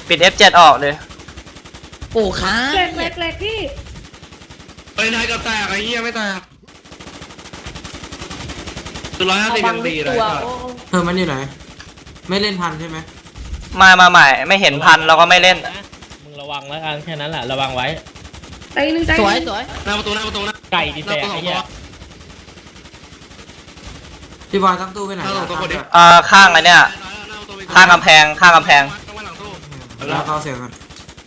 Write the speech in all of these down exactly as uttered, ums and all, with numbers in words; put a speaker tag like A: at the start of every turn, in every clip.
A: ปิด เอฟ เจ็ด ออกเลย
B: โอ้ค้า
C: แหลกแหลกแหลกพี่
D: ไปนายกับแตกไอ้เหี้ยไม่แตกตัวร้อยห้าสิบยังดีเลย
E: เธอมันอยู่ไหนไม่เล่นพันใช่ไหม
A: มามาใหม่ไม่เห็นพันเราก็ไม่เล่น
F: มึงระวังแล้วกันแค่นั้นแหละระวังไว้
C: ใจหนึ่งใจ
B: สวยสวย
D: หน้าประตูหน้าประตูนะ
F: ไก่ดีแตกไอ้เหี้ย
E: พี่บอยตั้งตู้ไปไหน
A: อ่าข้างไอ้เนี่ยข้างกำแพงข้างกำแพง
E: แล้วเข้าเสียงกัน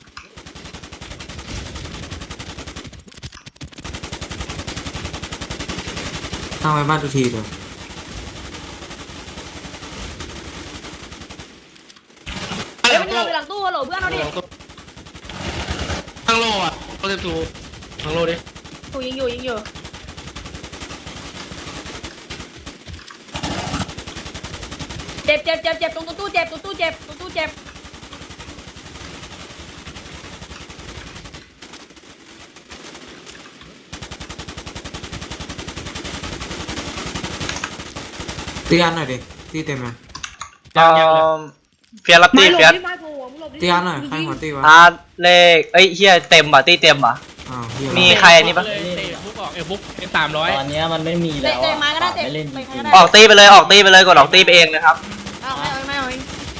E: ทางไปบ้านทุกทีเลย
C: เฮ้ยมันอยู่หลังตู้ฮัลโหลเพื่อนเราดิ
D: ทางโลอ่ะโปรเจกต์ทูทางโลดิ
C: ถูยิงอยู่ยิงอยู่เจ็บเจ็บเจ็บเจ็บตรงตู้เจ็บตรงตู้เจ็บตรงตู้เจ็บ
E: ตีอันหน่อยดิตีเต็มไหม
A: เฟียร์รับตีเฟียร์
E: ตีอันหน่อยใครหัวตีวะ
A: อาร์เลขเอ้ยเฮียเต็มป่ะตีเต็มป่ะมีใครนี่ปะ
F: ฟุกออกเอฟุกเป็นสามร้อย
B: ตอนนี้มันไม่มีแล้ว
C: ไม่เล่น
A: ออกตีไปเลยออกตีไปเลยกดออกตีไปเองนะครับ
C: เอาไม่เอาไม่เอา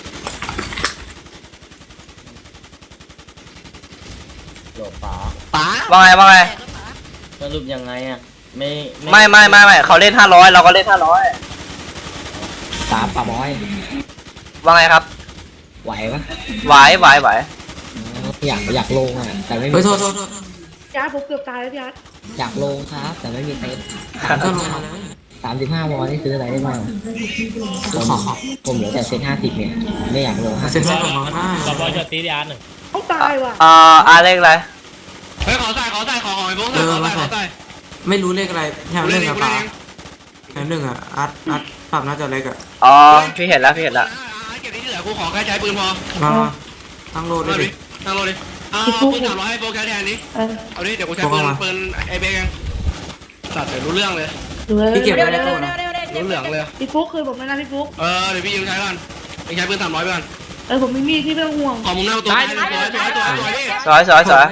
B: โหลป๋าป๋า
A: ว่าไงว่าไง
B: สรุปยังไงอ่ะไม่
A: ไม่ไม่ไม่ไม่เขาเล่นห้าร้อยเราก็เล่นห้าร้อย
B: สามป่าบอย
A: ว่าไงครับ
B: ไหวปะ
A: ไหวไหวไหว
B: อยากอยากลงอ่ะแต่ไม่มี
E: โทษโทษโทษ
C: ยาผมเกือบตายแล้วยา
B: อยากลงครับแต่ไม่มีเต็นท์สามสิบห้าวอลนี่ซื้ออะไรได้บ้างผมผมเหลือแต่เซ็ตห้าสิบเนี่ยไม่อยากลงห้าสิบ
E: เซ็ตของน้องได้
F: กับบอยจะตีดีอาร์หนึ่ง
C: เขาตายว่ะ
A: อ่าอาร์เลขอะไร
D: เฮ้ยขอใส่ขอใส่ขอหอยพวกใส่ขอใส่ขอใส่
E: ไม่รู้เลขอะไรแถวหนึ่งอะป๋าแถวหนึ่งอะอัดอัดปรับน่าจะเล็กอะ
A: อ๋อพี่เห็นแล้วพี่เห็นแล้ว
D: เก็บที่เหลือกูขอแค่ใช้ปืนพอ
E: มาตั้งโลดิ
D: ตั้งโลดิอ่าปืนสามร้อยให้โฟกัสแทนนี้เอาดิเดี๋ยวกูใช้ปืนปืนไอเบงสัตว์เดี๋ยวรู้เรื่องเลย
E: พี่เก็บไว้ในตู้นะ
D: รู้เรื่องเลย
C: พี่ฟุ๊กคือผมนะพี่ฟุ๊ก
D: เออเดี๋ยวพี่ยิงใช้ก่อนยิงใช้ปืนสามร้อยไปก่อน
C: เออผมไม่มีที่ไม่ต้องห่วง
D: ขอมุมหน้าตัว
A: สวยสวยสวย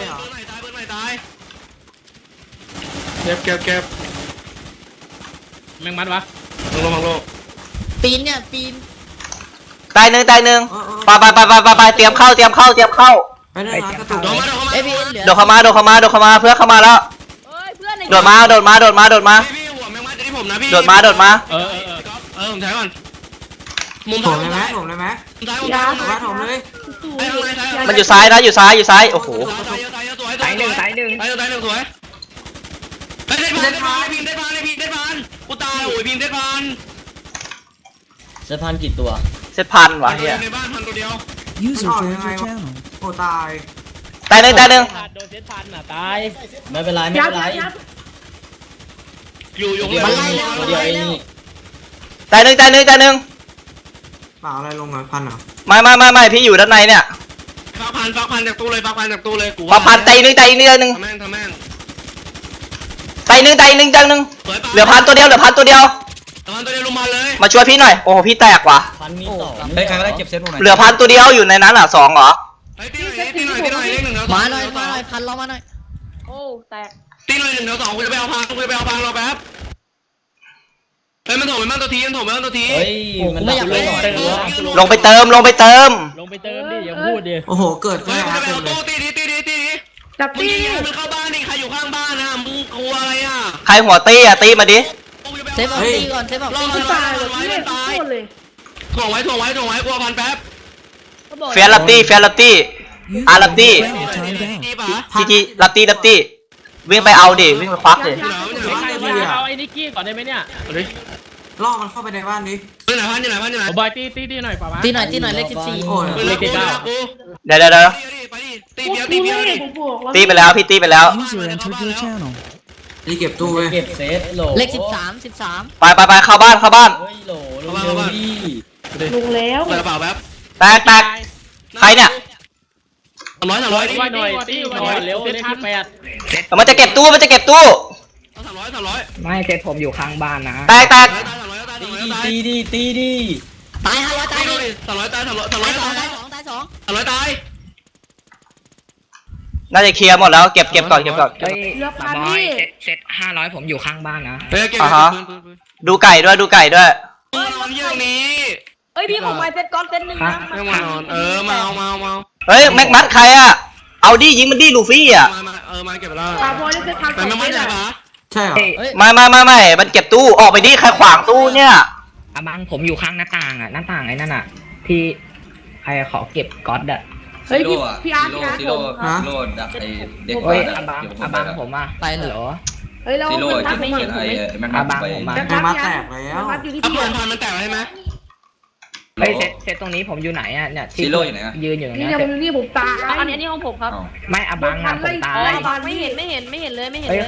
D: เก็บเก็บเก็บ
F: แมงมัดวะ
D: ลงลงลง
B: ปีนเนี่ยปีน
A: ตายหนึ่งตายหนึ่งไปไปไปไปไปเตรียมเข้าเตรียมเข้าเตรียมเข้า
E: ไปเลยนะกระตุก
A: โดดเข้ามาโดดเข้ามาโดดเข้ามาเพื่อเข้ามาแล้วโดดมาโดดมาโดดมาโดดมาโดดมาโดดมา
D: เออเออเออผมใช้ก่อน
E: มุมผมเลยไหมผมเลยไหม
D: ยา
E: ว่าผมเลย
A: มันอยู่ซ้ายนะอยู่ซ้ายอยู่ซ้ายโอ้โห
D: ตายหนึ่งตายหนึ่งตายหนึ่งตายหนึ่งสวยไอ้เด็ดพันเด็ดพันพิมเด็ดพันไอ้พิมเด็ดพันกูตายโอ้ยพิมเด็ดพัน
B: เซตพันกี่ตัว
A: เซตพันวะเฮีย
D: ในบ้านพันตัวเดียว
E: ยูสอยังไงวะโอ้ตาย
A: ตายหนึ่งตายหนึ่ง
F: โดนเซตพันอ่ะตาย
B: ไม่เป็นไรไม่เป็นไร
D: อยู่อยู่เลย
B: เดียวเอง
A: ตายหนึ่งตายหนึ่งตายหนึ่ง
E: เปล่าอะไรลงหน่อยพันเหรอ
A: ไม่ไม่ไม่ไม่พี่อยู่ด้านในเนี่ย
D: ฟักพันฟักพันจากตู้เลยฟักพันจากตู้เลยกู
A: ฟักพันตายหนึ่งตายหนึ่งตายหนึ่ง
D: ทำแม่งทำแม่ง
A: ตายหนึ่งตายหนึ่งตายหนึ่งเหลือพันตัวเดียวเหลือพันตัวเดียว
D: พันตัวเดียวลงมาเลย
A: มาช่วยพี่หน่อยโอ้โหพี่แตกว่ะ
B: พันมีสอง
E: เฮ้ยใครก็ได้เก็บเซตพวกไหน
A: เหลือพันตัวเดียวอยู่ในนั้นอ่ะสองเหรอ
D: ตีหน่อยตีหน่อยตีหน่อยเลขหนึ่งแล้ว
B: มาหน่อยมาหน่อยพันเรามาหน่อย
C: โอ้แตก
D: ตีหน่อยหนึ่งแล้วสองกูจะไปเอาพังกูจะไปเอาพังรอแป๊บเฮ้ยมันถมไปบ้านตัวทีมันถมไปบ้านตัวที
B: เฮ้ยมันไม่อยากเล่น
A: ลงไปเติมลงไปเติม
F: ลงไปเติมดิอย่าพูดดิ
E: โอ้โหเกิด
D: เฮ้ยกูจะไปเอาตู้ตีดีตีดีตีดี
C: จับตี
D: มันเข้าบ้านดิใครอยู่ข้างบ้านนะมึงกลัวอะไรอ่ะ
A: ใครหัวตีอ่ะตีมาดิ
B: เซฟเอาตีก่อนเซฟเอาตี
C: ตายเลยไม่ตายเลย
D: ถ่วงไว้ถ่วงไว้ถ่วงไว้กลัวพันแป๊บ
A: เฟียร์ลับตี้เฟียร์ลับตี้อาร์ลับตี้จีจีลับตี้ลับตี้วิ่งไปเอาดิวิ่งไปควักดิ
F: เอาไอ้นิกกี้ก่อนได้ไหมเนี่ย
E: ล่อมันเข้าไปในบ้านดิ
D: ที่ไหนพันที่ไหนพันที่ไหน
F: บอยตีตีตีหน่อยป่าวะ
B: ตีหน่อยตีหน่อยเลขสิบสี่
E: โอ้ย
D: เลขสิบเก้า
A: เดี๋ยวเดี๋ยวเดี๋ยว
D: ตีเดียวตีเดียวดิ
A: ตีไปแล้วพี่ตีไปแล้ว
E: นี่เก็บตู้เว้ย
B: เก็บเซตโหลเลขสิบสามสิบสาม
A: ไปไปไปเข้าบ้านเข้าบ้าน
B: เฮ้ยโหลลงเร็วดิ
C: ลงแล้ว
D: กระเป๋าแป๊บ
A: แตกแตกใครเนี่ย
D: สามร้อยสามร้อย
F: ตีหน่อยตีหน่อยเร็วเลขที่แปด
A: มันจะเก็บตู้มันจะเก็บตู้
D: สามร้อยสามร้อย
B: ไม่เซตผมอยู่ข้างบ้านนะ
A: แตกแตก
B: ตีดีตีดีตายห้าร้อยตายดิ
D: สามร้อยตายสามร้อยสามร้อยตายสองตายสองสามร้อยตาย
A: น่าจะเคลียร์หมดแล้วเก็บเก็บก่อนเก็บก่อน
B: เฮ้ย
C: เหลือพัน
B: บอย
C: พี่
B: เซ็ตเซ็ตห้าร้อยผมอยู่ข้างบ้านนะ
D: เฮ้ยเก็บ
A: อ่าฮะ
D: ปืนปืนปืน
A: ดูไก่ด้วยดูไก่ด้วย
D: ปืนนอนเยี่ยงนี้
C: เอ้ยพี่ผมมาเซ็ตก้อนเซ็ตหนึ่งนะ
D: ไม่มานอนเออมาเอามาเอามา
A: เฮ้ยแม็กมัดใครอะเอาดิยิงมันดิลูฟี่อะ
D: มามาเออมาเก็บไปแล้ว
C: ปาบอยได้เซ็ตพัน
D: แต่ไม่มั่นใจปะ
E: ใช่เหรอ
B: เฮ้ย
A: ไม่ไม่ไม่ไม่มันเก็บตู้ออกไปดิใครขวางตู้เนี่ย
B: อาบังผมอยู่ข้างหน้าต่างอ่ะหน้าต่างไอ้นั่นอ่ะ ที่ใครขอเก็บก๊อตอ่ะ
C: เฮ้ยพี่พี่อาร์ตพี่อาร์ต
G: ซิ
C: ผ
G: โร่
C: ม
G: ซิโร่ดักไอเด็ก
B: เฮ้ย
G: บ้าน
B: อาบัง
G: เดี๋ยวผม
B: อา
G: ไป
B: บัง
G: แล้ว
B: ผมอ่ะไปเหรอ
C: เฮ้ยเรา
G: ซิโร่
C: เป็นพั
G: เก็
C: ด
G: บ
C: ไม่เห็น
G: ไอแม็ก
B: อา
G: นั
B: บั
G: ม
B: ง
G: ไป
B: ผมมา
E: แม่มัดแตกแล้ว
C: พัดอยู่ที่
D: เอา
C: พี่
D: ปืนพันมันแตกแล้วใช่ไหม
B: เฮ้ยเซตเซตตรงนี้ผมอยู่ไหนอ่ะเนี่ยที่
G: ซิโร่อยู่ไหนอะ
B: ยืนอยู่ตรง
C: นี่
B: เนี้ย
C: เนี่ยผมนี่ผมตาย
H: อันนี้อันนี้ของผมครับ
G: อ้าว
B: ไม่อาบังอ่ะผมตาย
H: ไม่เห็นไม่เห็นไม่เห็นเลยไม่เห็น
B: เฮ้
H: เลย ย